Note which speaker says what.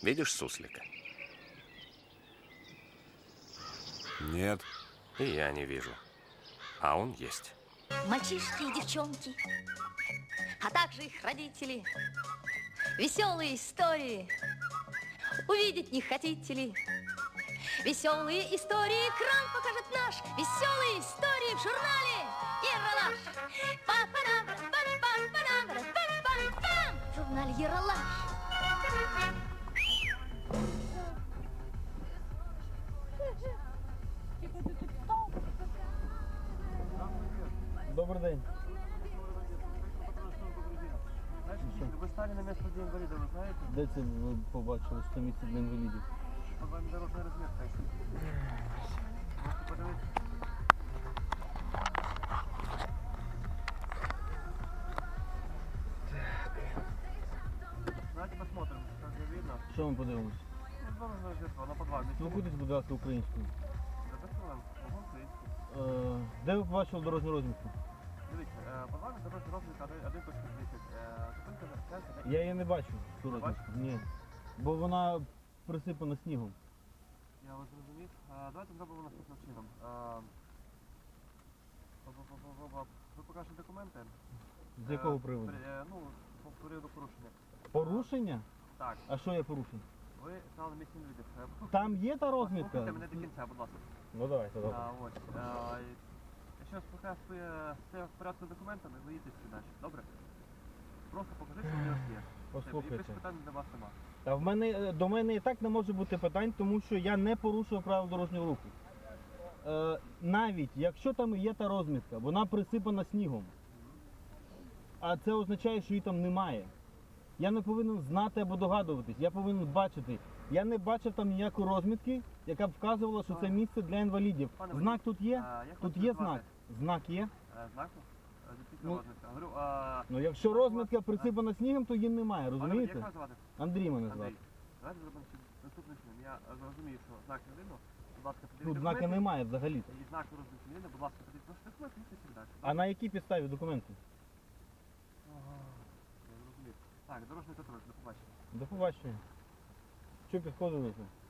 Speaker 1: Видишь суслика?
Speaker 2: Нет.
Speaker 1: И я не вижу. А он есть.
Speaker 3: Мальчишки и девчонки, а также их родители. Веселые истории увидеть не хотите ли? Веселые истории экран покажет наш. Веселые истории в журнале Ералаш. Па-па-дам-па-па-па-дам-па-пам-пам. В журнале Ералаш.
Speaker 4: Добрий день.
Speaker 5: Ви стали на місце для інваліда, ви знаєте?
Speaker 4: Де це ви побачили, що місце для інвалідів?
Speaker 5: По вам дорожна розмітка. Можете подивитися? Давайте посмотрим, как же видно.
Speaker 4: Що ми подивимось?
Speaker 5: Ну, дорожна розмітка, вона по два.
Speaker 4: Спілкуйтесь, будь ласка, українською.
Speaker 5: Ого, українською.
Speaker 4: Де ви побачили дорожню розмітку?
Speaker 5: Дивіться, по вами дорожня розмітка 1.10. Зупинка за
Speaker 4: Я її не бачу, цю розмітку. Ні. Бо вона присипана снігом.
Speaker 5: Я вас зрозумів. Давайте зробимо наступним чином. Ви покажете документи?
Speaker 4: З якого приводу?
Speaker 5: Ну, по приводу порушення.
Speaker 4: Порушення?
Speaker 5: Так,
Speaker 4: А що є порушення?
Speaker 5: ви стали на місці інвалідів.
Speaker 4: Там є та розмітка?
Speaker 5: Послухайте мене до кінця, будь ласка.
Speaker 4: Ну давайте, добре.
Speaker 5: Ось. Якщо все в порядку з документами, ви їдете далі. Добре? Просто покажіть, що у вас є. І
Speaker 4: Послухайте.
Speaker 5: більше питань до вас нема.
Speaker 4: Та до мене і так не може бути питань, тому що я не порушую правил дорожнього руху. Навіть якщо там є та розмітка, вона присипана снігом. А це означає, що її там немає. Я не повинен знати або догадуватись, я повинен бачити. Я не бачив там ніякої розмітки, яка б вказувала, що це місце для інвалідів.
Speaker 5: Пане
Speaker 4: Знак тут є?
Speaker 5: як
Speaker 4: Тут
Speaker 5: вас
Speaker 4: є
Speaker 5: звати?
Speaker 4: знак? Знак є?
Speaker 5: Знаку? Звідки
Speaker 4: Ну,
Speaker 5: розмітка? Говорю,
Speaker 4: Ну якщо розмітка присипана снігом, то її немає,
Speaker 5: Як
Speaker 4: розумієте?
Speaker 5: вас звати?
Speaker 4: Андрій мене звати.
Speaker 5: Андрій. Давайте зробимо наступним чином. Я розумію, що знак не видно. Будь ласка,
Speaker 4: Тут
Speaker 5: подивіться
Speaker 4: знака
Speaker 5: документи.
Speaker 4: немає взагалі-то.
Speaker 5: І знак розмітки не видно. Будь ласка, подивіться ваші документи і все далі.
Speaker 4: А на якій підставі документи?
Speaker 5: Я зрозумів. Так, дорожній контроль, до побачення.
Speaker 4: До побачення. Що підходили?